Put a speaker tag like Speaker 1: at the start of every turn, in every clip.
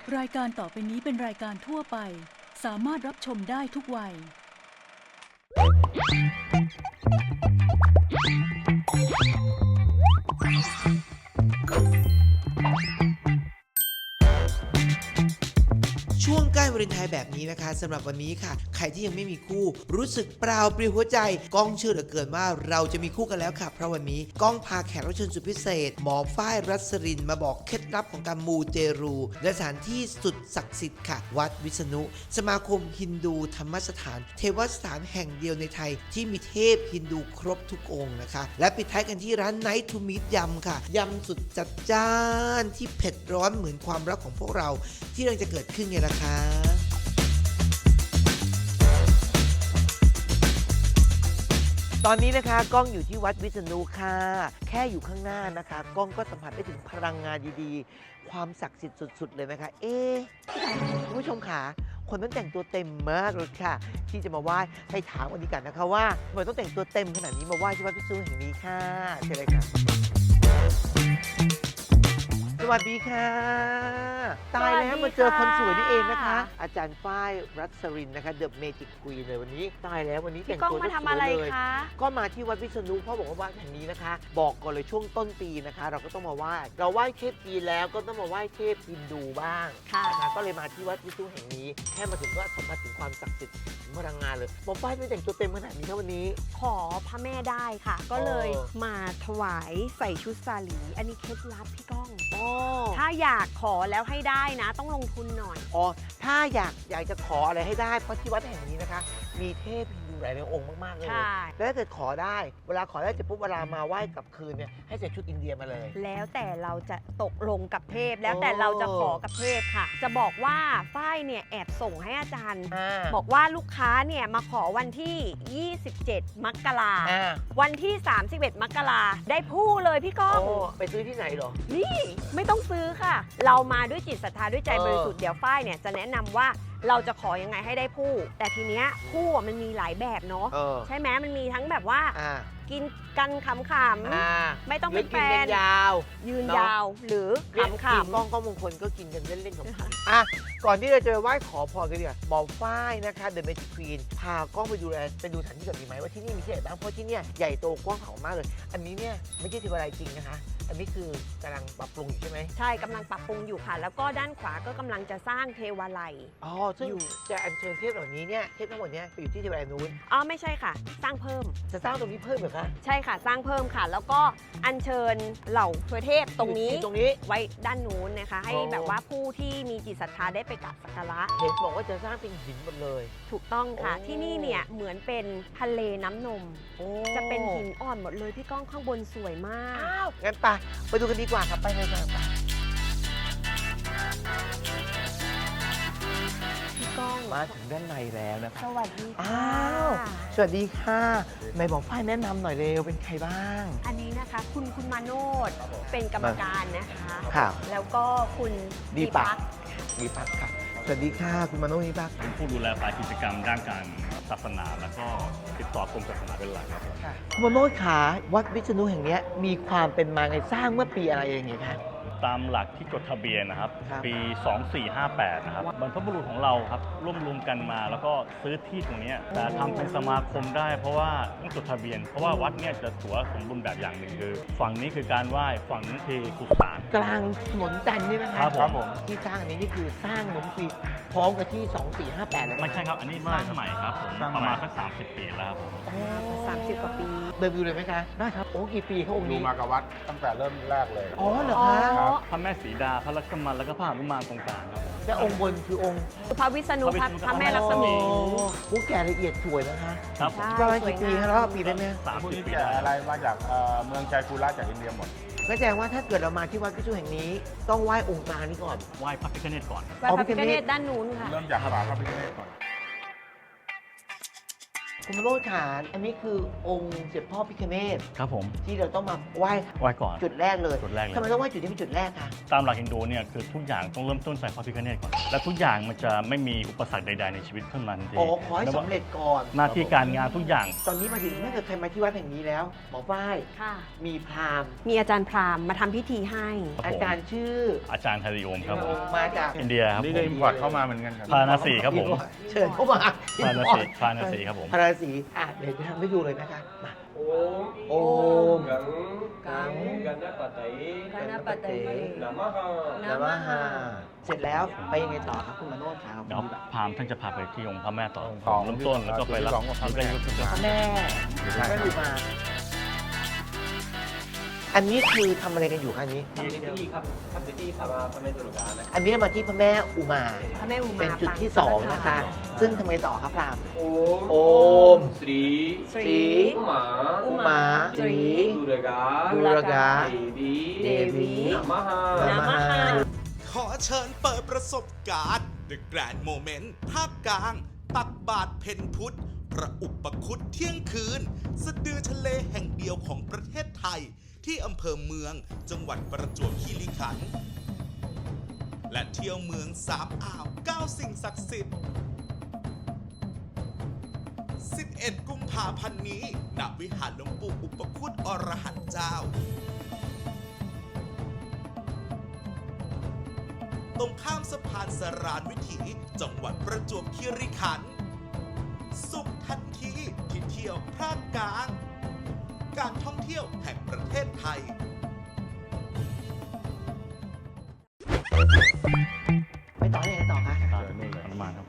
Speaker 1: รายการต่อไปนี้เป็นรายการทั่วไปสามารถรับชมได้ทุกวัย
Speaker 2: ช่วงใกล้วาเลนไทน์แบบนี้นะคะสำหรับวันนี้ค่ะใครที่ยังไม่มีคู่รู้สึกเปล่าปลิวหัวใจก้องเชื่อเหลือเกินว่าเราจะมีคู่กันแล้วค่ะเพราะวันนี้ก้องพาแขกรับเชิญสุดพิเศษหมอฝ้ายรัศรินมาบอกเคล็ดลับของการมูเตรูและสถานที่สุดศักดิ์สิทธิ์ค่ะวัดวิษณุสมาคมฮินดูธรรมสถานเทวสถานแห่งเดียวในไทยที่มีเทพฮินดูครบทุกองค์นะคะและปิดท้ายกันที่ร้านไนท์ทูมิตยำค่ะยำสุดจัดจ้านที่เผ็ดร้อนเหมือนความรักของพวกเราที่กำลังจะเกิดขึ้นไงล่ะคะตอนนี้นะคะก้องอยู่ที่วัดวิษณุค่ะแค่อยู่ข้างหน้านะคะก้องก็สัมผัสได้ถึงพลังงานดีๆความศักดิ์สิทธิ์สุดๆเลยนะคะคุณผู้ชมค่ะคนต้องแต่งตัวเต็มมากเลยค่ะที่จะมาไหว้ให้ถามวันนี้กันนะคะว่าทำไมต้องแต่งตัวเต็มขนาดนี้มาไหว้ที่วัดวิษณุแห่งนี้ค่ะเชิญเลยค่ะสวัสดีค่ะตายแล้วมาเจอคนสวยนี่เองนะคะอาจารย์ฝ้ายรัศรินนะคะเดอะเมจิกควีนเลยวันนี้ตายแล้ววันนี้แต่งตัวสวยเลยก็มาที่วัดวิษณุเพราะบอกว่าวัดแห่งนี้นะคะบอกก่อนเลยช่วงต้นปีนะคะเราก็ต้องมาไหว้เราไหว้เทพจีนแล้วก็ต้องมาไหว้เทพฮินดูบ้างนะคะก็เลยมาที่วัดวิษณุแห่งนี้แค่มาถึงก็สัมผัสถึงความศักดิ์สิทธิ์ถึงพลังงานเลยหมอฝ้ายไม่แต่งตัวเต็มขนาดนี้ครับวันนี้
Speaker 3: ขอพระแม่ได้ค่ะก็เลยมาถวายใส่ชุดสาลีอันนี้เคล็ดลับพี่ก้องถ้าอยากขอแล้วให้ได้นะต้องลงทุนหน่อย
Speaker 2: ถ้าอยากจะขออะไรให้ได้เพราะที่วัดแห่งนี้นะคะมีเทพฮินดูหลายองค์มากๆเลยแล้วถ้าเกิดขอได้เวลาขอได้เสร็จปุ๊บเวลามาไหว้กลับคืนเนี่ยให้ใส่ชุดอินเดียมาเลย
Speaker 3: แล้วแต่เราจะตกลงกับเทพแล้วแต่เราจะขอกับเทพค่ะจะบอกว่าฝ้ายเนี่ยแอบส่งให้อาจารย์บอกว่าลูกค้าเนี่ยมาขอวันที่27 มกราวันที่ 31 มกราได้ผู้เลยพี่ก้อง
Speaker 2: ไปซื้อที่ไหนหรอ
Speaker 3: นี่ไม่ต้องซื้อค่ะเรามาด้วยจิตศรัทธาด้วยใจบริสุทธิ์เดี๋ยวฝ้ายเนี่ยจะแนะนำว่าเราจะขอยังไงให้ได้ผู้แต่ทีเนี้ยผู้มันมีหลายแบบเนาะใช่ไหมมันมีทั้งแบบว่ากินกันขำๆไม่ต้องเป็นแฟน
Speaker 2: ยาว
Speaker 3: ยืนยาวหรือขำ
Speaker 2: ๆก้องมงคลก็กินกันเล่นๆของก่อนที่เราจะไหว้ขอพรกันเนี่ยหมอฝ้ายนะคะเดอะเมจิกควีนพากล้องไปดูสถานที่แบบนี้ไหมว่าที่นี่มีที่ไหนบ้างเพราะที่เนี่ยใหญ่โตกว้างขวางมากเลยอันนี้เนี่ยไม่ใช่เทวาลัยจริงนะคะอันนี้คือกำลังปรับปรุงอยู่ใช่ไหม
Speaker 3: ใช่กำลังปรับปรุงอยู่ค่ะแล้วก็ด้านขวาก็กำลังจะสร้างเทวาลัย
Speaker 2: ซึ่งจะอัญเชิญเทพเหล่านี้เนี่ยเทพทั้งหมดเนี่ยไปอยู่ที่เทวาลัยนู้น
Speaker 3: ไม่ใช่ค่ะสร้างเพิ่ม
Speaker 2: จะสร้างตรงนี้เพิ่มเหรอคะ
Speaker 3: ใช่ค่ะสร้างเพิ่มค่ะแล้วก็อัญเชิญเหล่าเทพตรงนี้ไว้ด้านนู้นนะคะให้แบบว่าผู้ที่มีจิตศรัทธาได้ไปกราบสักการะ
Speaker 2: เห็นบอกว่าจะสร้างเป็นหินหมดเลย
Speaker 3: ถูกต้องค่ะที่นี่เนี่ยเหมือนเป็นทะเลน้ำนมจะเป็นหินอ่อนหมดเลยพี่ก้องข้างบนสวยมาก
Speaker 2: งั้นไปดูกันดีกว่าครับไปเลยค่ะ
Speaker 3: พี่ก้อง
Speaker 2: มาถึงด้านในแล้วนะครับ
Speaker 3: สวัสดีค่ะ
Speaker 2: สวัสดีค่ะไหนบอกฝ้ายแนะนำหน่อยเร็วเป็นใครบ้าง
Speaker 3: อันนี้นะคะคุณมาโนดเป็นกรรมการนะคะแล้วก็คุณ
Speaker 2: ดีปักค่ะสวัสดีค่ะคุณมาโนดดีปัก
Speaker 4: เป็นผู้ดูแลฝ่ายกิจกรรมด้านการศาสนาแล้วก็ติดต่อกรมศาสนาเป็นหลักครับ
Speaker 2: คุณมาโนดขาวัดวิษณุแห่งนี้มีความเป็นมาไงสร้างเมื่อปีอะไรอย่างเงี้ยคะ
Speaker 4: ตามหลักที่จดทะเบียนนะครับปี 2458 นะครับบรรพบุรุษของเราครับร่วมกันมาแล้วก็ซื้อที่ตรงนี้แต่ทำเป็นสมาคมได้เพราะว่าต้องจดทะเบียนเพราะว่าวัดเนี่ยจะถือว่าสมบูรณ์แบบอย่างหนึ่งคือฝั่งนี้คือการไหว้ฝั่งนี้คือสุสาน
Speaker 2: กลางถนนจันทร์นี่นะครับผมที่สร้างอันนี้นี่คือสร้างเหมือนปีพร้อมกับที่ 2458เลย
Speaker 4: ไม่ใช่ครับอันนี้สร้างใหม่ครับผมประมาณสัก30 ปีแล้วครับผม
Speaker 3: 30 กว่าปี
Speaker 2: เดินดูเลยไหมคะได้ครับกี่ปีเขาองค์นี้
Speaker 5: ดูมากับวัดตั้งแต่เริ่มแรกเลย
Speaker 2: เหรอคะ
Speaker 4: พระแม่สีดาพระลักษมณ์แล้วก็พระหนุมานตรงกลางครับ
Speaker 2: และองค์บนคือองค์
Speaker 3: พระวิษณุพระแม่ลักษมี
Speaker 2: ผู้แก่ละเอียดสวยนะคะ
Speaker 4: ครับ
Speaker 2: ประมาณกี่ปีครับแล้วปีได้ไหม
Speaker 5: พวกนี้แก่อะไรมาจากเมืองชัยภูระจากอินเดียหมด
Speaker 2: ก็แสดงว่าถ้าเกิดเรามาที่วัดวิษณุแห่งนี้ต้องไหว้องค์กลางนี้ก่อน
Speaker 4: ไหว้พระพิฆเนศก่อน
Speaker 3: ไหว้พระพิฆเนศด้านนู้นค่ะ
Speaker 5: เริ่มจากพระพิฆเนศก่อน
Speaker 2: คุณโรจน์ขาอันนี้คือองค์เสด็จพ่อพิฆเนศ
Speaker 4: ครับผม
Speaker 2: ที่เราต้องมาไหว้
Speaker 4: ไหว้ก่อน
Speaker 2: จุดแรกเลย
Speaker 4: จุดแรกเลย
Speaker 2: ทำไมต้องไหว้จุดนี้เป็นจุดแรกคะ
Speaker 4: ตามหลักฮินดูเนี่ยคือทุกอย่างต้องเริ่มต้นใส่พระพิฆเนศก่อนและทุกอย่างมันจะไม่มีอุปสรรคใดๆในชีวิตขึ้นมาทันที
Speaker 2: อ๋อขอให้สำเร็จก่อน
Speaker 4: หน้าที่การงานทุกอย่าง
Speaker 2: ตอนนี้มาถึงถ้าเกิดใครมาที่วัดแห่งนี้แล้วหมอฝ้าย
Speaker 3: ค่ะ
Speaker 2: มีพราหมณ์
Speaker 3: มีอาจารย์พราหมณ์มาทำพิธีให้
Speaker 4: ครับผม
Speaker 2: อาจารย์ชื่อ
Speaker 4: อาจารย์ฮาริโอมครับผม
Speaker 2: มาจาก
Speaker 4: อินเดียครับ
Speaker 5: นี่
Speaker 4: ผ
Speaker 5: ก็
Speaker 4: ม
Speaker 5: อิมพอร์ตเข้ามาเหมือนกันครับ
Speaker 4: พาราณสีครับผม
Speaker 2: เชิญเข้ามา
Speaker 4: พาราณสีพาราณสีครับผม
Speaker 2: พาราณสีเดี๋ยวจะทำให้ดูเลยนะคะมา
Speaker 6: โอมกังกันนปะไต
Speaker 3: กัณปะไต
Speaker 6: นะมะหะ
Speaker 2: นะมหาเสร็จแล้วไปยังไงต่อครับคุณมาโนดครับ
Speaker 4: เดี๋ยวพราหมณ์ท่านจะพาไปที่องค์พระแม่ต่อ
Speaker 5: สอง
Speaker 4: เริ่มต้นแล้วก็ไปรับ
Speaker 5: สองกับพระแม่
Speaker 2: พระแม่พระอุมาอันนี้คือทำอะไรกันอยู่คะอันนี้
Speaker 6: ทำพิธีครับทำพิธีสาราพระแม่ตุลกานะ
Speaker 2: อันนี้มาที่พระแม่อุมา
Speaker 3: พระแม่อุมา
Speaker 2: เป็นจุดที่ 2 นะคะ ซึ่งทำไมต่อครับพราหมณ์
Speaker 6: โอ
Speaker 2: โอม
Speaker 6: สรี
Speaker 3: สรี
Speaker 6: อุมา
Speaker 2: อุมาตรี
Speaker 6: ดุรกา
Speaker 2: ดุรกา
Speaker 6: เดวี
Speaker 3: เดวี
Speaker 6: นะมะหะ
Speaker 3: นะมหา
Speaker 7: ขอเชิญเปิดประสบการณ์ The Grand Moment ภาคกลาง ตักบาทเพ็ญพุทธ พระอุปคุตเที่ยงคืน สะดือทะเลแห่งเดียวของประเทศไทย ที่อำเภอเมือง จังหวัดประจวบคีรีขันธ์ และเที่ยวเมือง3 อ่าว 9 สิ่งศักดิ์สิทธิ์ 11 กุมภาพันธ์นี้ ณ วิหารหลวงปู่อุปคุตอรหันต์เจ้า ตรงข้ามสะพานสรานวิถี จังหวัดประจวบคีรีขันธ์ สุขทันทีที่เที่ยวภาคกลาง การท่องเที่ยวแห่งประเทศไทย
Speaker 2: ไปต่อที่ไหนต่อคะ
Speaker 4: ตามนู่นเลยฮนุมานครับ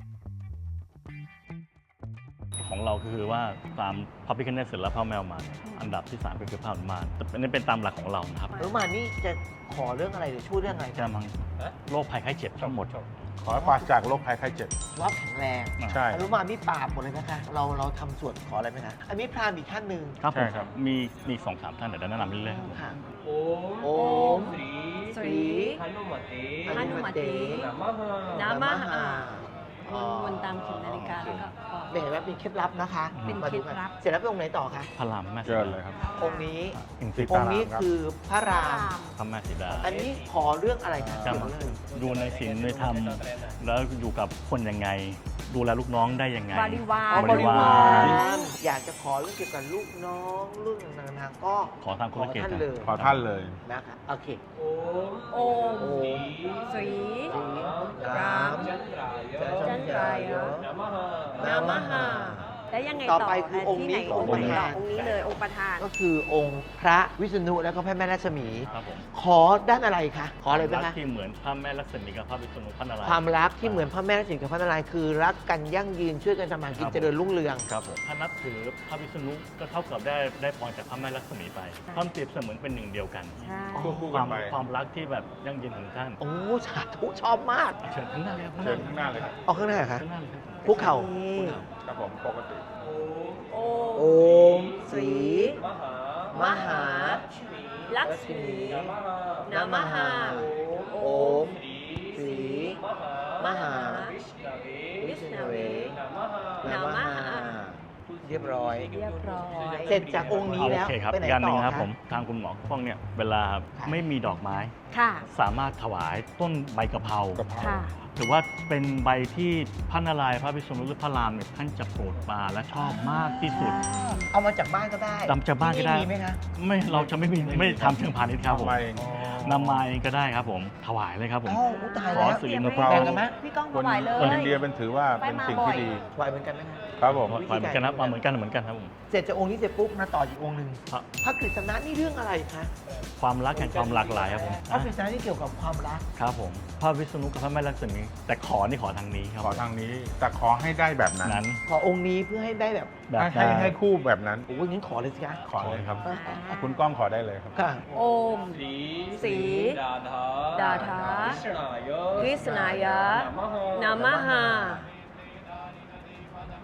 Speaker 4: ของเราก็คือว่าตามพระพิฆเนศเสร็จแล้วพระแมวมาอันดับที่ 3 ก็คือพระหนุมานแต่อันนี้เป็นตามหลักของเรานะครับ
Speaker 2: หรือมานี่จะขอเรื่องอะไรหรือช่วยเรื่องอะไร
Speaker 4: จะมังโรคภัยไข้เจ็บทั้งหมด
Speaker 5: ขอให้ปราศจากโรคภัยไข้เจ็บ
Speaker 2: ว่าแข็งแรง
Speaker 5: ใช่
Speaker 2: อนุมานนี่ปราบหมดเลยนะคะ เราทำสวดขออะไรไหมคะอันนี้พราหมณ์อีกท่านหนึ่ง
Speaker 4: ครับผ
Speaker 5: ใช่
Speaker 4: ม
Speaker 5: ครับ
Speaker 4: มี2-3 ท่านเดี๋ยวแนะนำเรื่อยๆครับ
Speaker 2: ค่ะ
Speaker 6: โอ
Speaker 2: โอม
Speaker 6: สรี
Speaker 3: สรี
Speaker 6: หนุมติ
Speaker 3: หนุมติ
Speaker 6: นะมะหะ
Speaker 3: นะมหา
Speaker 2: อ๋อ
Speaker 3: วนตามเข็มนาฬิกาแล้วก็บอก
Speaker 2: เห็นว่าเป็นเคล็ดลับนะคะ
Speaker 3: เป็น
Speaker 2: มา
Speaker 3: เคล็ด
Speaker 2: กัน
Speaker 3: ลับ
Speaker 2: เสร็จแล้วไปองค์ไหนต่อคะ
Speaker 4: พระรามแม่สี
Speaker 5: เชิญ
Speaker 4: ดา
Speaker 5: เลยครับ
Speaker 2: องค์นี้
Speaker 4: อินทรี
Speaker 2: องค์นี้คือพระราม
Speaker 4: พระแม่สีดา
Speaker 2: อันนี้ขอเรื่องอะไรคะ
Speaker 4: จะ
Speaker 2: เกี่ยว
Speaker 4: มา
Speaker 2: กับเรื่องอะไร
Speaker 4: ดูในศีลในธรรมแล้วอยู่กับคนยังไง ดูแลลูกน้องได้ยังไง
Speaker 3: บริวาร
Speaker 2: อ๋อบริวาร
Speaker 4: ร
Speaker 2: อยากจะขอเรื่องเกี่ยวกับลูกน้องเรื่องต่างๆก็
Speaker 4: ขอทางธุรกิจ
Speaker 2: ท่าน
Speaker 4: นะ
Speaker 2: เลย
Speaker 5: ขอท่านเลย
Speaker 2: นะคะโอเค
Speaker 6: โอม
Speaker 3: โอม
Speaker 2: โอม
Speaker 3: สรี
Speaker 2: ราม
Speaker 6: จันทรายะ
Speaker 3: จันทรายะ
Speaker 6: นะมะหะ
Speaker 3: นะมหาแล้วยังไง
Speaker 2: ต่
Speaker 3: ต่
Speaker 2: อ
Speaker 3: อ
Speaker 2: ไปคือองค์นี้
Speaker 3: ที่ไห
Speaker 2: ของ
Speaker 3: องค์
Speaker 2: ประ
Speaker 3: ไหน
Speaker 2: ธาน
Speaker 3: องค์นี้เลยองค์ประธาน
Speaker 2: ก็คือองค์พระวิษณุแล้วก็พระแม่รัศมี
Speaker 4: ครับผม
Speaker 2: ขอด้านอะไรคะขออะไรบ้าง
Speaker 4: รั
Speaker 2: คะ
Speaker 4: กที่เหมือนพระแม่ลักษมีกับพระวิษณุพระนารายณ์
Speaker 2: ความรักที่เหมือนพระแม่รัศมีกับพระนารายณ์คือรักกันยั่งยืนช่วยกันทำมาหากินเจริญรุ่งเรือง
Speaker 4: ครับผมถ้านับถือพระวิษณุก็เท่ากับได้พรจากพระแม่ลักษมีไปท่านเปรียบเสมือนเป็นหนึ่งเดียวกัน
Speaker 3: ใช่
Speaker 5: ควบคู่
Speaker 4: ค
Speaker 5: กั
Speaker 4: วาน ม
Speaker 5: ไป
Speaker 4: ความรักที่แบบยั่งยืนของท่าน
Speaker 2: โอ้สาธุชอบมาก
Speaker 4: เชิญข้างหน้าเลยครับ
Speaker 5: เชิญข้างหน้าเลยครับ
Speaker 2: เอาข้างหน้าเหรอคะ
Speaker 4: ข้างหน้าเลยครับ
Speaker 2: คุกเข่า
Speaker 5: ครับผมปกติ
Speaker 3: โอ
Speaker 2: โอมศรี
Speaker 6: มหาม
Speaker 2: หา
Speaker 3: ลักษมี
Speaker 6: นะมะหะ
Speaker 3: นะมหา
Speaker 2: โอมศรี
Speaker 6: มหาม
Speaker 2: หา
Speaker 6: วิชนาเว
Speaker 2: วิษณเว
Speaker 6: นะมะหะ
Speaker 2: นามหาเรียบร้อย
Speaker 3: เรียบร้อย
Speaker 2: เสร็จจากองค์นี้
Speaker 4: โอ
Speaker 2: แล้ว
Speaker 4: เคครับ
Speaker 2: ไปไหน
Speaker 4: อย่างห
Speaker 2: ต่
Speaker 4: นึ่ง
Speaker 2: อ
Speaker 4: ครับ
Speaker 2: คะ
Speaker 4: ผมทางคุณหมอป้องเนี่ยเวลา
Speaker 2: ค่ะ
Speaker 4: ไม่มีดอกไม้
Speaker 3: ค่ะ
Speaker 4: สามารถถวายต้นใบกะเพราก
Speaker 5: ะเพรา
Speaker 3: ค่ะ
Speaker 4: ถือว่าเป็นใบที่พระนารายณ์พระวิษณุหรือพระรามเนี่ยท่านจะโปรดปรานและชอบมากที่สุด
Speaker 2: เอามาจากบ้านก็ได้
Speaker 4: นำจากบ้านก็ได้
Speaker 2: ที่มีไหมคะ
Speaker 4: ไม่เราจะไม่ทำเชิงพาณิชย์ครับผม
Speaker 5: มาเอง
Speaker 4: นำมาเองก็ได้ครับผมถวายเลยครับผม
Speaker 2: อ้าวอุ๊ยตาย
Speaker 4: ขอ
Speaker 2: แล้ว
Speaker 4: สิริมงค
Speaker 5: เรา
Speaker 4: ล
Speaker 2: แบ่งกันไหม
Speaker 3: พี่ก้อง
Speaker 5: ค
Speaker 3: ถ
Speaker 5: น
Speaker 3: วายเลย
Speaker 5: คนอินเดียเป็นถือว่าเป็นสิ่งที่ดี
Speaker 2: ถวายเหมือนกันไหมคะ
Speaker 5: ครับผม
Speaker 4: ถวายเหมือนกันนะเหมือนกันครับผม
Speaker 2: เสร็จจากองค์นี้เสร็จปุ๊บมาต่ออีกองค์หนึ่ง
Speaker 4: พระ
Speaker 2: พระกฤษณะนี่เรื่องอะไรคะ
Speaker 4: ความรักแห่งความหลากหลายครับผม
Speaker 2: พระกฤษณะนี่เกี่ยวกับความรัก
Speaker 4: ครับผมพระวิษณุกับพระแม่ลักษมีแต่ขอนี่ขอทางนี้ครับ
Speaker 5: ขอทางนี้ แต่ขอให้ได้แบบนั้น
Speaker 4: นั้น
Speaker 2: ขอองค์นี้เพื่อให้ได้แบบ
Speaker 4: แบบ
Speaker 5: ให้คู่แบบนั้น
Speaker 2: โอ้ยงั้นขอเลยสิคะ
Speaker 5: ขอเลยครับ
Speaker 3: อ่า
Speaker 5: คุณก้องขอได้เลยครับ
Speaker 2: ค่ะ
Speaker 3: โอม
Speaker 6: สี
Speaker 3: สี
Speaker 6: ดาถา
Speaker 3: ดาถา
Speaker 6: วิชนายะ
Speaker 3: วิษณายะ
Speaker 6: นะมะหะ
Speaker 3: นะมหา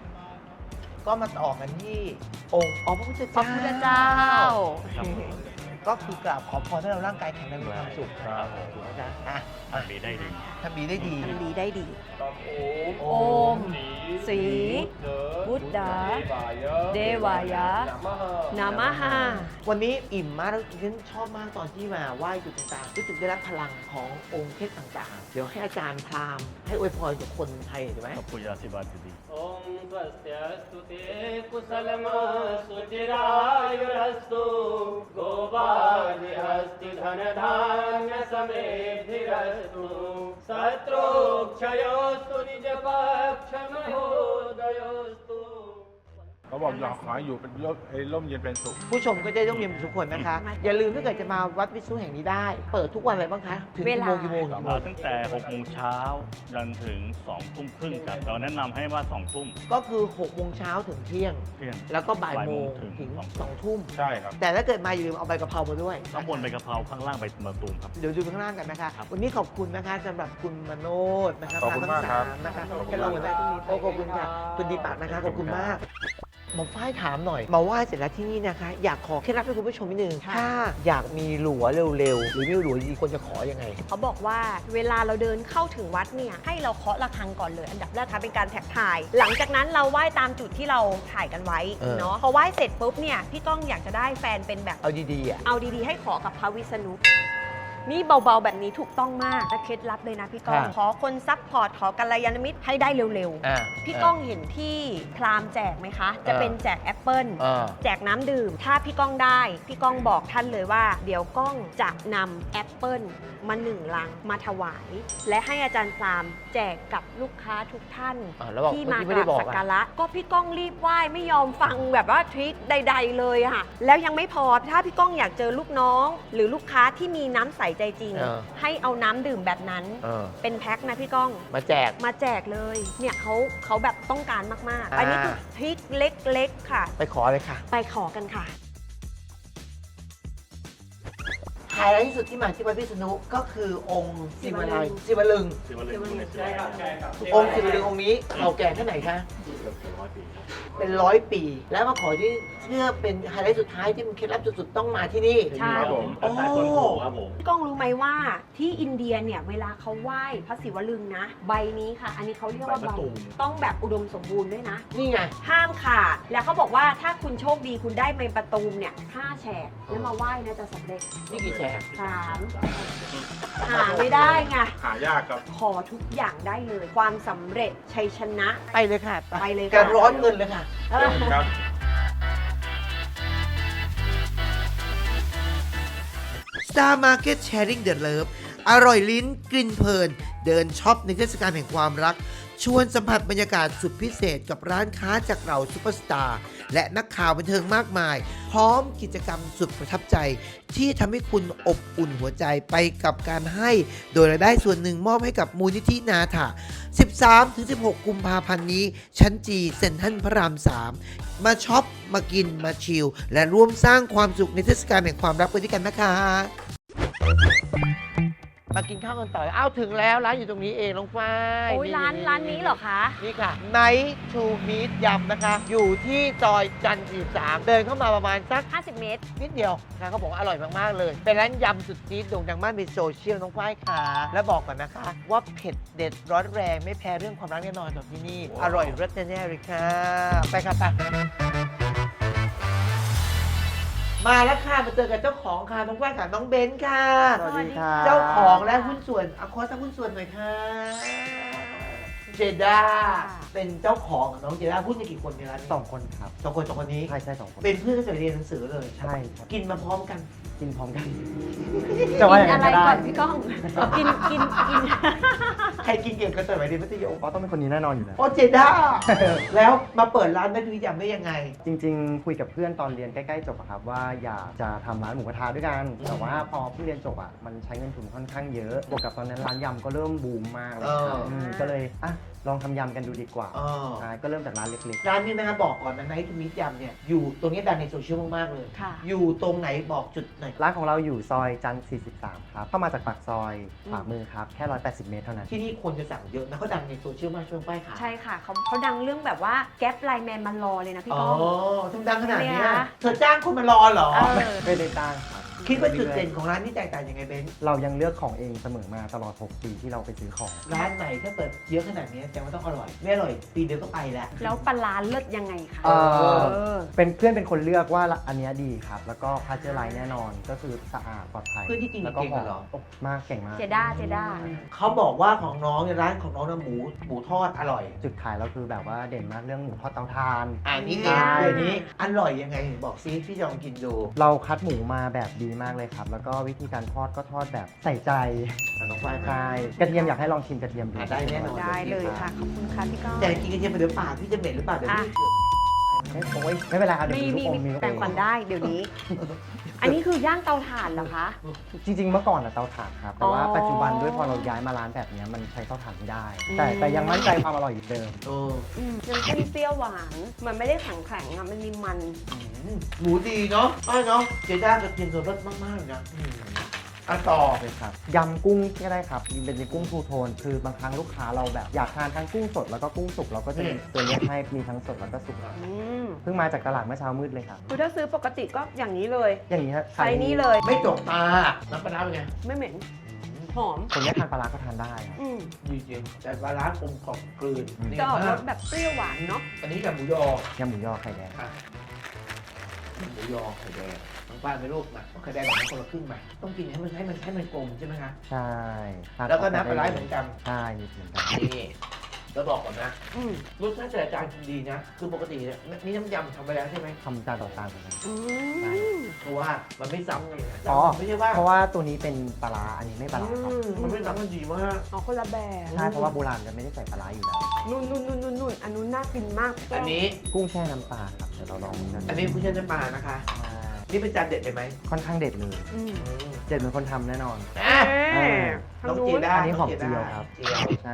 Speaker 2: ก็มาต่อกันที่องค์พระพุทธ
Speaker 3: พระพุทธเจ้า
Speaker 4: ครับ
Speaker 2: ก็คือกราบขอพรให้เราร่างกายแข็งแรงมีความสุข
Speaker 4: ครับผม
Speaker 2: ถูกไหมจ๊ะอ่ะ
Speaker 4: ทำดีได้ดี
Speaker 2: ทำดีได้ดี
Speaker 3: ทำดีได้ดี
Speaker 6: โอ
Speaker 3: มสี บุตดาเดวายะ นามหา
Speaker 2: วันนี้อิ่มมากแล้วฉันชอบมากตอนที่มาไหว้จุดต่างๆรู้สึกได้รับพลังขององค์เทพต่างๆ เดี๋ยวให้อาจารย์พราหมณ์ให้อวยพรกับคนไทยถูกไหม
Speaker 4: ขอบคุณยาสิบาดี
Speaker 6: Om Swastiastu Te Kusalamastu Chirayurastu Govadi Hasti Dhanadhanya Samedhirastu Satrokchayostu Nijapakshamahodayostu
Speaker 5: เขาบอกอยากขอให้อยู่เป็นร่มเย็นเป็นสุข
Speaker 2: ผู้ชมก็จะต้องเรียนทุกคนนะคะ อย่าลืมถ้าเกิดจะมาวัดวิษณุแห่งนี้ได้ เปิดทุกวันอะไรบ้างคะ ถึงกี่โมงกี่โมงกี่โมง
Speaker 4: ตั้งแต่6โมงเช้าจนถึง2ทุ่มครึ่งครับเราแนะนำให้ว่า2ทุ่ม
Speaker 2: ก็คือ6โมงเช้าถึงเที่ยง
Speaker 4: เที่ยง
Speaker 2: แล้วก็บ่ายโมง
Speaker 4: ถึง
Speaker 2: ถึง
Speaker 4: 2
Speaker 2: 2ทุ่ม
Speaker 5: ใช่ครับ
Speaker 2: แต่ถ้าเกิดมาอย่าลืมเอาใบกะเพรามาด้วย
Speaker 4: ข้างบนใบกะเพราข้างล่างใบมะตูมครับ
Speaker 2: เดี๋ยวดูข้างล่างกันนะคะ
Speaker 4: ครับ
Speaker 2: วันนี้ขอบคุณนะคะสำหรับคุณมโนดนะคะ
Speaker 5: ขอบคุณมากครับ
Speaker 2: ทั้งสนะคะ
Speaker 5: ขอบคุณ
Speaker 2: แค่เราหัวหน้าที่นี่โอ้ขอบคุณค่ะคุณดีปากนะคะขอบคุณมากหมอฝ้ายถามหน่อยมาไหว้เสร็จแล้วที่นี่นะคะ อยากขอเคล็ดลับให้คุณผู้ชมนิดนึงถ้าอยากมีหลัวเร็วๆหรือมีหลัวดีควรจะขอยังไง
Speaker 3: เขาบอกว่าเวลาเราเดินเข้าถึงวัดเนี่ยให้เราเคาะระฆังก่อนเลย อันดับแรกค่ะเป็นการแท็กถ่าย หลังจากนั้นเราไหว้ตามจุดที่เราถ่ายกันไว้ เนาะพอไหว้เสร็จปุ๊บเนี่ยพี่ก้องอยากจะได้แฟนเป็นแบบ
Speaker 2: เอาดีๆอ่ะ
Speaker 3: เอาดีๆให้ขอกับพระวิษณุนี่เบาๆแบบนี้ถูกต้องมากและเคล็ดลับเลยนะพี่ก้อง
Speaker 2: ค่ะ
Speaker 3: ขอคนซัพพอร์ตขอกัลยาณมิตรให้ได้เร็ว
Speaker 2: อ่า
Speaker 3: ๆพี่ก้องเห็นที่พราหมณ์แจกไหมคะ จะเป็นแจกแอปเปิล แจกน้ำดื่ม ถ้าพี่ก้องได้ พี่ก้องบอกท่านเลยว่า เดี๋ยวก้องจะนำแอปเปิลมา1 ลังมาถวาย และให้อาจารย์พราหมณ์แจกกับลูกค้าทุกท่าน
Speaker 2: แล้วบอก
Speaker 3: ที่
Speaker 2: เมื่อ
Speaker 3: มา
Speaker 2: กี้
Speaker 3: ก
Speaker 2: ไม่ได้
Speaker 3: ราบ
Speaker 2: บอก
Speaker 3: สัก
Speaker 2: อ่ะ
Speaker 3: การะก็พี่ก้องรีบไหว้ไม่ยอมฟังแบบว่าทริคใด ๆ เลยอะค่ะ แล้วยังไม่พอถ้าพี่ก้องอยากเจอลูกน้อง หรือลูกค้าที่มีน้ำใสใจจริง ให้เอาน้ำดื่มแบบนั้น เป็นแพ็คนะพี่ก้อง
Speaker 2: มาแจก
Speaker 3: มาแจกเลย เนี่ยเขาแบบต้องการมากๆ
Speaker 2: อ่า
Speaker 3: อันนี้คือทริคเล็กๆค่ะ
Speaker 2: ไปขอเลยค่ะ
Speaker 3: ไปขอกันค่ะ
Speaker 2: ไฮไลท์ที่สุดที่มาที่วัดพิษณุก็คือองค์ศิวลึงศิวลึง
Speaker 4: สิวลึงในสิวลึง
Speaker 2: องค์ศิวลึงองค์นี้เก่าแก่แค่ไหนคะ
Speaker 4: เกือบ100 ปีครับ
Speaker 2: เป็น100 ปี แล้วมาขอที่เชื่อเป็นไฮไลท์สุดท้ายที่มันเคล็ดลับสุดๆต้องมาที่นี่
Speaker 3: ใช่
Speaker 4: ครับผม
Speaker 2: โอ้
Speaker 4: แต่ต้นโพครับผม
Speaker 3: พี่ก้องรู้ไหมว่าที่อินเดียเนี่ยเวลาเขาไหว้พระศิวลึงนะ ใบนี้ค่ะ อันนี้เขาเรียกว่า
Speaker 4: ใบมะตูม
Speaker 3: ต้องแบบอุดมสมบูรณ์ด้วยนะ
Speaker 2: นี่ไง
Speaker 3: ห้ามขาด แล้วเขาบอกว่าถ้าคุณโชคดีคุณได้ใบประตูมเนี่ย5 แฉกแล้วมาไหว้นะจะสำเร็จ
Speaker 2: นี่กี่แฉก
Speaker 3: 3 หาไม่ได้ไง
Speaker 5: หายากครับ
Speaker 3: ขอทุกอย่างได้เลย ความสำเร็จชัยชนะ
Speaker 2: ไปเลยค่ะ
Speaker 3: ไปเลยค่ะ
Speaker 2: การร้อนเงินเลยค่ะ
Speaker 5: ครับ
Speaker 2: Star Market Sharing the Love อร่อยลิ้นกลิ่นเพลิน เดินช็อปในเทศกาลแห่งความรัก ชวนสัมผัสบรรยากาศสุดพิเศษกับร้านค้าจากเหล่าซุปเปอร์สตาร์และนักข่าวบันเทิงมากมาย พร้อมกิจกรรมสุดประทับใจ ที่ทำให้คุณอบอุ่นหัวใจไปกับการให้ โดยรายได้ส่วนหนึ่งมอบให้กับมูลนิธินาถะ 13-16 กุมภาพันธ์นี้ ชั้นจีเซ็นทรัลพระราม 3 มาช็อป มากิน มาชิล และร่วมสร้างความสุขในเทศกาลแห่งความรักไปด้วยกันนะคะ มากินข้าวกันต่ออ้าวถึงแล้วร้านอยู่ตรงนี้เองน้องฝ้าย
Speaker 3: โอ้ยร้านนี้เหรอคะ
Speaker 2: นี่ค่ะ Night to Meet ยำนะคะ อยู่ที่ซอยจันทร์43เดินเข้ามาประมาณสัก
Speaker 3: 50 เมตร
Speaker 2: นิดเดียวนะเขาบอกว่าอร่อยมาก ๆ เลย เป็นร้านยำสุดจี๊ดโด่งดังมากในโซเชียลน้องฝ้ายค่ะ และบอกก่อนนะคะ ว่าเผ็ดเด็ดร้อนแรงไม่แพ้เรื่องความรักแน่นอนจากที่นี่ อร่อยรสแน่ๆเลยค่ะ ไปค่ะไปมาแล้วค่ะมาเจอกับเจ้าของค่ะน้องฝ้ายค่ะน้องเบนซ์ค่ะ
Speaker 3: สวัสดีค่ะ
Speaker 2: เจ้าของและหุ้นส่วนขอสักหุ้นส่วนหน่อยค่ะ เจด้าเป็นเจ้าของน้องเจด้าหุ้นกันกี่คนในร้านนี้
Speaker 8: 2 คนครับ
Speaker 2: สองคนนี้
Speaker 8: ใช่2 คน
Speaker 2: เป็นเพื่อนตั้งแต่เรียนหนังสือเลย
Speaker 8: ใช่ครับ
Speaker 2: กินมาพร้อมกัน
Speaker 8: กินพร้อมกัน
Speaker 3: กินอะไรก่อนพี่ก้อง กิน
Speaker 2: ใครกินเก่งกันแต่ไหนเรียนมัธยม
Speaker 8: อ๋อต้องเป็นคนนี้แน่นอนอยู่แล้ว
Speaker 2: โอเจด้า แล้วมาเปิดร้านแม่ดุยยำได้ยังไง
Speaker 8: จริงๆ คุยกับเพื่อนตอนเรียนใกล้ๆจบอะครับว่าอยากจะทำร้านหมูกระทะด้วยกัน แต่ว่าพอเพิ่งเรียนจบอะมันใช้เงินทุนค่อนข้างเยอะ บวกกับตอนนั้นร้านยำก็เริ่มบูมมากเลยครับ ก็เลยอ่ะลองทำยำกันดูดีกว่า ใช่ก็เริ่มจากร้านเล็ก
Speaker 2: ร้านนี้นะคะบอกก่อนนะไนท์ทูมิตยำเนี่ยอยู่ตรงนี้ดังในโซเชียลมากๆเลย
Speaker 3: ค่ะ
Speaker 2: อยู่ตรงไหนบอกจุดหน่อย
Speaker 8: ๆ ร้านของเราอยู่ซอยจันทร์43 ครับ เข้ามาจากปากซอยขวามือครับ แค่ 180 เมตรเท่านั้น
Speaker 2: ที่นี่คนจะสั่งเยอะนะเขาดังในโซเชียลมากช่วงป้ายขาย
Speaker 3: ใช่ค่ะเขาดังเรื่องแบบว่าแก๊ปไลน์แมนมันรอเลยนะพี่
Speaker 2: อ๋อ
Speaker 3: ก้อง
Speaker 2: ทำดังขนาดเนี้ย
Speaker 3: เนี่ย
Speaker 2: เธอจ้างคนมารอเหรอ
Speaker 3: เออ
Speaker 8: ไม่ได้ตั้งครับ
Speaker 2: คิดว่าจุดเด่นของร้านนี้แตกต่างยังไงเบน
Speaker 8: เรายังเลือกของเองเสมอมาตลอด 6 ปีที่เราไปซื้อของ
Speaker 2: ร้านไหนถ้าเปิดเยอะขนาดนี้แต่ว่าต้องอร่อยไม่อร่อยปีเดียวก็ไปแล้ว
Speaker 3: แล้วปลาร้าเลิศยังไงคะ
Speaker 8: เป็นเพื่อนเป็นคนเลือกว่าอันเนี้ยดีครับ แล้วก็พาสเจอร์ไลน์แน่นอนก็คือสะอาดปลอดภัย
Speaker 2: เพื่อนที่กิน
Speaker 8: แล้วก็
Speaker 2: เก่งเหรอ
Speaker 8: มากเก่งมาก
Speaker 3: เจด้า
Speaker 2: เขาบอกว่าของน้องเนี่ยร้านของน้องนะหมูทอดอร่อย
Speaker 8: จุดขายเราคือแบบว่าเด่นมากเรื่องหมูทอดเตาถ่าน
Speaker 2: นี่
Speaker 8: ใช่
Speaker 2: เดี๋ยวนี้อร่อยยังไงบอกซิพี่จะลองกินดู
Speaker 8: เราคัดหมูมาแบบดีมากเลยครับ แล้วก็วิธีการทอดก็ทอดแบบใส่ใจ
Speaker 2: น้องฝ้าย
Speaker 8: ใช่กระเทียมอยากให้ลองชิมกระเทียมดู
Speaker 2: ได้แน่นอน
Speaker 3: ได้เลยค่ะ ขอบคุณค่ะพี่ก้อง
Speaker 2: แต่กินกระเทียมไปเดี๋ยวปากพี่จะเหม็นหรือเปล่าเดี๋ยวพี่เกิด
Speaker 8: ไม่เป็นไรครับเดี๋ยว
Speaker 3: มี
Speaker 8: มีลูกอมมีลูก
Speaker 3: แปลงฟันได้เดี๋ยวนี้ อันนี้คือย่างเตาถ่านเหรอคะ
Speaker 8: จริง ๆ เมื่อก่อนอะเตาถ่านครับ แต่ว่า
Speaker 3: อ๋อ
Speaker 8: ปัจจุบันด้วยพอเราย้ายมาร้านแบบเนี้ยมันใช้เตาถ่านไม่ได้ แต่ยังมั่นใจความอร่อยอยู่เดิม
Speaker 3: น้ำจิ้มเปรี้ยวหวาน มันไม่ได้แข็งๆอะมันมีมัน
Speaker 2: หมูดีเนาะเนาะเจด้ากระเทียมสดรสมากๆเลยนะต่อ
Speaker 8: เลยครับยำกุ้งก็ได้ครับเป็นกุ้งทูโทน คือบางครั้งลูกค้าเราแบบอยากทานทั้งกุ้งสดแล้วก็กุ้งสุกเราก็จะมีตัวเลือกให้มีทั้งสดแล้วก็สุกเพิ่งมาจากตลาดเมื่อเช้ามืดเลยครับ
Speaker 3: คือถ้าซื้อปกติก็อย่างนี้เลย
Speaker 8: อย่างนี้ฮะ
Speaker 3: ไซส์นี้เลย
Speaker 2: ไม่จกตาน้ำปลาร้าเป็นไง
Speaker 3: ไม่เหม็น หอม
Speaker 8: คนที่ทานปลาร้าก็ทานได้ครับ
Speaker 2: ดีจริงแต่ปลาร้ากลมกล่อมกลืนนี่
Speaker 3: จะออกร
Speaker 2: มาก
Speaker 3: สแบบเปรี้ยวหวานเนาะ
Speaker 2: อันนี้กับหมูยอย
Speaker 8: ำหมูยอไข่แดง
Speaker 2: หมูยอไข่แดงน้องป้าไม่ลูกนะไข่แดงแบบนั้นคนละครึ่งไหมต้องกินให้มันกลมใช่ไหมคะ
Speaker 8: ใช่
Speaker 2: แล้วก็น้ำปลาร้าเหมือนกัน
Speaker 8: ใช่มีเหมือนกัน
Speaker 2: นี่แล้วบอกก่อนนะรสชาติแต่ละจานกินดีนะ คือปกติเนี่ยนี่น้ำยำทำไปแล้วใช่ไหม
Speaker 8: ทำจานต่อจานเหมือนกัน
Speaker 2: เพราะว่ามันไม่ซ้ำกันนะ
Speaker 8: อ๋อ
Speaker 2: ไม่ใช่ว่า
Speaker 8: เพราะว่าตัวนี้เป็นปลาร้าอันนี้ไม่ปลาร้าครับ
Speaker 2: มันไม่ซ้ำกันดีมาก
Speaker 3: เอาคนละแบบ
Speaker 8: ใช่เพราะว่าโบราณจะไม่ได้ใส่ปลาร้าอยู่แล้ว
Speaker 3: นุ่นอันนู้นน่ากินมาก
Speaker 2: อันนี้
Speaker 8: กุ้งแช่น้ำปลาครับเดี๋ยวเราลองดูกัน
Speaker 2: อันนี้ผู้เชี่ยวชาญมานะคะ นี่เป็นจานเด็ดเลยไหม
Speaker 8: ค่อนข้างเด็ดเลย เด็ดเหมือนคนทำแน่นอน
Speaker 2: น้องเจด้า
Speaker 8: อันนี้หอมเจียวครับ
Speaker 2: เจียว
Speaker 8: ใช่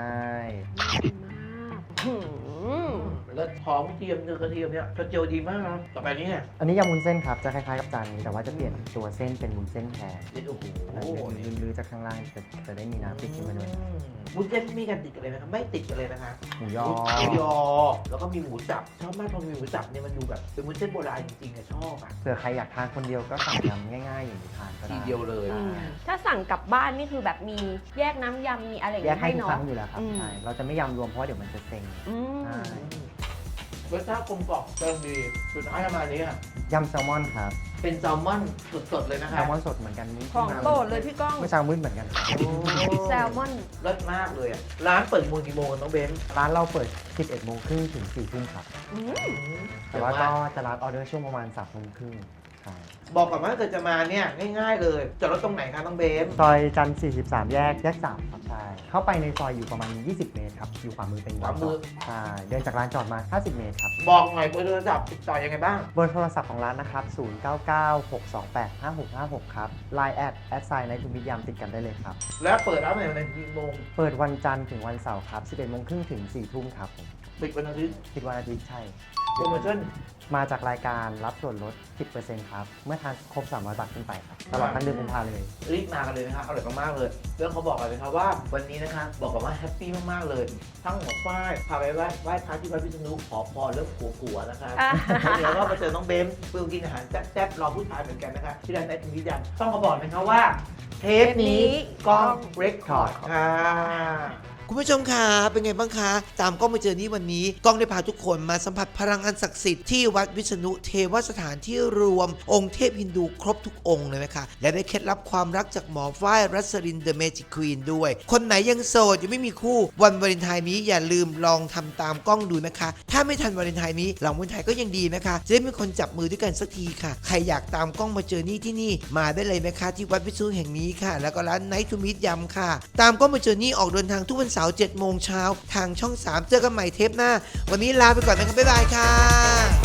Speaker 2: แล้วหอมเทียมเนื้อกระเทียมเนี่ยกระเจียวดีมากนะต่อไปนี้เนี่ย
Speaker 8: อันนี้ยำวุ้นเส้นครับจะคล้ายๆกับจานนี้แต่ว่าจะเปลี่ยนตัวเส้นเป็นวุ้นเส้นแทน
Speaker 2: โอ้โห
Speaker 8: ลือๆจากข้างล่างจะได้มีน้ำติดขึ้นมาด้วย
Speaker 2: วุ้นเส้นมีกันติดกันเลยนะครับไม่ติดกันเลยนะคะ
Speaker 8: หมูยอ
Speaker 2: หมูยอ แล้วก็มีหมูสับชอบมากพอมีหมูสับเนี่ยมันดูแบบเป็นวุ้นเส้นโบราณจริงๆอะชอบอ่ะ
Speaker 8: เผื่อใครอยากทานคนเดียวก็สั่งยำง่ายๆอย่างนี้ทานก็ได้
Speaker 2: ทีเดียวเลย
Speaker 3: ถ้าสั่งกลับบ้านนี่คือแบบมีแยกน้ำยำมีอะไรอย่าง
Speaker 8: แยก
Speaker 3: เงี้ย
Speaker 8: ให้
Speaker 3: ให้
Speaker 8: ทุก
Speaker 3: เนาะ
Speaker 8: ครั้งอยู่แล้วครับใช่เราจะไม่ยำรวมเพราะเดี๋ยวมันจะเซ็ง ใช่
Speaker 2: รสชาติกลมกล่อมเติมดีสุดท้ายประมาณนี้อะ
Speaker 8: ยำแซลมอนครับ
Speaker 2: เป็นแซลมอนสดๆเลยนะ
Speaker 8: แซ
Speaker 2: คะ
Speaker 8: ลมอนสดเหมือนกันนี่
Speaker 3: ของโปรดเลยพี่ก้อง
Speaker 8: เมื่อเช้ามืดเหมือนกันครับ
Speaker 3: แซลมอน
Speaker 2: รสมากเลยอ่ะร้านเปิดโมงกี่โมงกันน้องเบนซ์
Speaker 8: ร้านเราเปิด 11 โมงครึ่งถึง 4 ทุ่มครับ แต่ว่าก็จะรับออเดอร์ช่วงประมาณ 3 โมงครึ่งใช่
Speaker 2: บอกก่อนว่าถ้าเกิดจะมาเนี่ยง่ายๆเลยจอดรถตรงไหนคะน้องเบนซ์
Speaker 8: ซอยจันทร์43 แยก 3 ครับใช่เข้าไปในซอยอยู่ประมาณ 20 เมตรครับ อยู่ขวามือเป็น
Speaker 2: ขวามือ
Speaker 8: ใช่เดินจากร้านจอดมา 50 เมตรครับ
Speaker 2: บอกหน่อยเบอร์โทรศัพท์ติดต่อยังไงบ้าง
Speaker 8: เบอร์โทรศัพท์ของร้านนะครับ 0996285656 ครับ Line แอดไซน์ในทุกมิตยามติดกันได้เลยครับ
Speaker 2: แล้วเปิดร้านไหนกี่โมง
Speaker 8: เปิดวันจันทร์ถึงวันเสาร์ครับ 11 โมงครึ่งถึง 4 ทุ่มครับผม
Speaker 2: ปิดวันอาทิตย์
Speaker 8: คิดวันอาทิตย์ใช่
Speaker 2: โปรโมชั่น
Speaker 8: มาจากรายการรับส่วนลด 10%ครับ เมื่อทานครบ 300 บาทขึ้นไปครับ ตลอดทั้งเดือนกุมภาเลย
Speaker 2: รีบมากันเลยนะคะอร่อยมากๆเลยแล้วเขาบอกกันเลยครับว่าวันนี้นะคะบอกกันว่าแฮปปี้มากๆเลย ทั้งหมอฝ้ายพาไปไหว้พระที่วัดพิษณุขอพรเรื่องผัวๆนะคะเดี๋ยวก็มาเจอน้องเบมเพื่อกินอาหารแซ่บๆรอผู้ชายเหมือนกันนะคะที่ร้านไอทีวีดันต้องมาบอกนะครับว่าเทปนี้กล้องเรคคอร์ดค่ะคุณผู้ชมคะเป็นไงบ้างคะตามกล้องมาเจอนี่วันนี้กล้องได้พาทุกคนมาสัมผัสพลังอันศักดิ์สิทธิ์ที่วัดวิษณุเทวสถานที่รวมองค์เทพฮินดูครบทุกองค์เลยนะคะและได้เคล็ดลับความรักจากหมอฝ้ายรัสรินเดอะเมจิกควีนด้วยคนไหนยังโสดยังไม่มีคู่วันวาเลนไทน์นี้อย่าลืมลองทำตามกล้องดูนะคะถ้าไม่ทันวาเลนไทน์นี้หลังวาเลนไทน์ก็ยังดีนะคะจะได้มีคนจับมือด้วยกันสักทีค่ะใครอยากตามกล้องมาเจอนี่ที่นี่มาได้เลยนะคะที่วัดวิษณุแห่งนี้ค่ะแล้วก็ร้านไนท์ทูมิตยำค่ะตามกล้องมาเจอนี่ออกเดินทางทุกวันเสาร์ 7 โมงเช้าทางช่อง 3 เจอกันใหม่เทปหน้าวันนี้ลาไปก่อนนะครับบ๊ายบายค่ะ